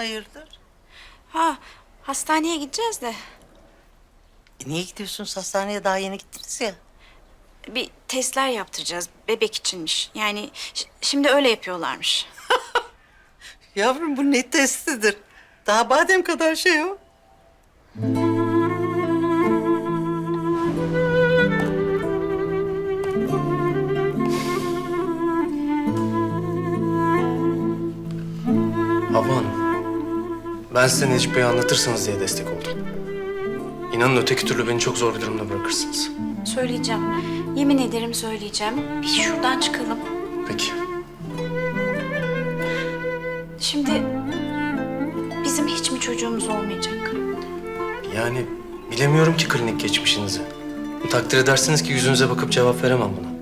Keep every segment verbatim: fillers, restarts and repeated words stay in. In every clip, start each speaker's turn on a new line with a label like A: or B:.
A: Hayırdır?
B: Ha, hastaneye gideceğiz de
A: E, niye gidiyorsunuz hastaneye? Daha yeni gittiniz ya.
B: bir testler yaptıracağız. Bebek içinmiş. Yani ş- şimdi öyle yapıyorlarmış.
A: Yavrum bu ne testidir? Daha badem kadar şey o.
C: Havva Hanım, ben size Necip Bey'i anlatırsanız diye destek oldum. İnanın öteki türlü beni çok zor bir durumda bırakırsınız.
B: Söyleyeceğim. Yemin ederim söyleyeceğim. Bir şuradan çıkalım.
C: Peki.
B: Şimdi bizim hiç mi çocuğumuz olmayacak?
C: Yani bilemiyorum ki klinik geçmişinizi. Takdir edersiniz ki yüzünüze bakıp cevap veremem buna.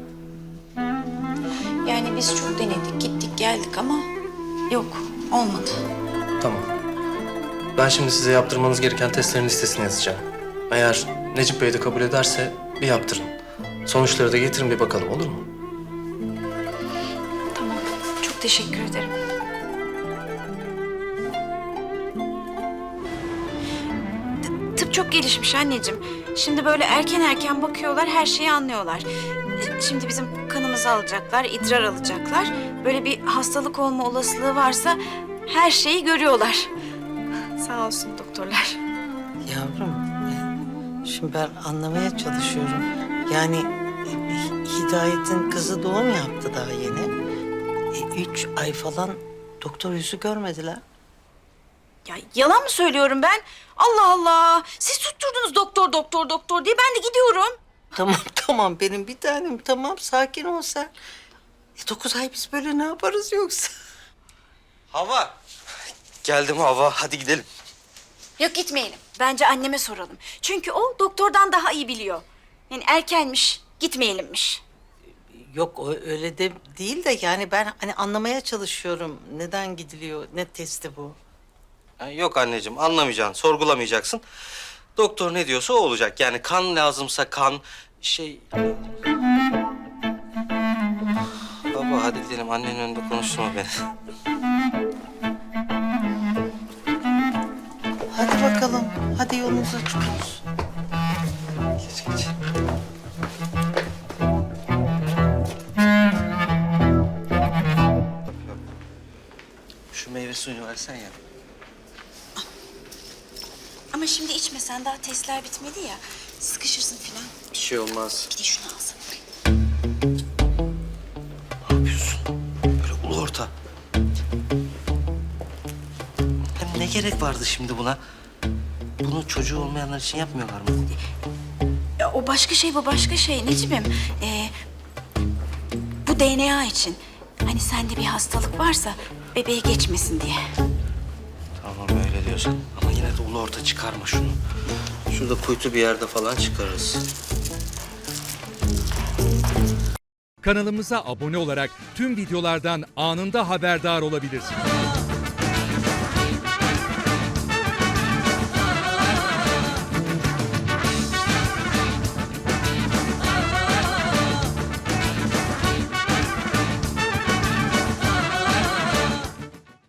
B: Yani biz çok denedik, gittik geldik ama yok, olmadı.
C: Tamam. Ben şimdi size yaptırmanız gereken testlerin listesini yazacağım. Eğer Necip Bey de kabul ederse bir yaptırın. Sonuçları da getirin bir bakalım, olur mu?
B: Tamam, çok teşekkür ederim. T- Tıp çok gelişmiş anneciğim. Şimdi böyle erken erken bakıyorlar, her şeyi anlıyorlar. Şimdi bizim kanımızı alacaklar, idrar alacaklar. Böyle bir hastalık olma olasılığı varsa her şeyi görüyorlar. Sağ olsun doktorlar.
A: Yavrum, e, şimdi ben anlamaya çalışıyorum. Yani e, Hidayet'in kızı doğum yaptı daha yeni. E, üç ay falan doktor yüzü görmediler.
B: Ya yalan mı söylüyorum ben? Allah Allah! Siz tutturdunuz doktor, doktor, doktor diye. Ben de gidiyorum.
A: Tamam tamam benim bir tanem, tamam sakin ol sen. E, dokuz ay biz böyle ne yaparız yoksa?
D: Hava. Geldim Hava. Hadi gidelim.
B: Yok gitmeyelim. Bence anneme soralım. Çünkü o doktordan daha iyi biliyor. Yani erkenmiş, gitmeyelimmiş.
A: Yok o öyle de değil de yani ben hani anlamaya çalışıyorum. Neden gidiliyor, ne testi bu?
D: Ha, yok anneciğim anlamayacaksın, sorgulamayacaksın. Doktor ne diyorsa o olacak. Yani kan lazımsa kan, şey... Baba hadi gidelim. Annenin önünde konuşturma beni.
A: Hadi bakalım, hadi yolunuza çıkıyoruz.
D: Geç geç. Şu meyve suyunu versen ya.
B: Ama şimdi içmesen daha testler bitmedi ya. Sıkışırsın falan.
D: Bir şey olmaz.
B: Bir de şunu alsana.
D: Ne yapıyorsun? Böyle ulu orta. Hem ne gerek vardı şimdi buna? Bunu çocuğu olmayanlar için yapmıyorlar mı?
B: Ya, o başka şey, bu başka şey Necip'im. Ee, bu D N A için. Hani sende bir hastalık varsa bebeğe geçmesin diye.
D: Tamam öyle diyorsan. Ama yine de ulu orta çıkarma şunu. Şurada kuytu bir yerde falan çıkarırız.
E: Kanalımıza abone olarak tüm videolardan anında haberdar olabilirsiniz.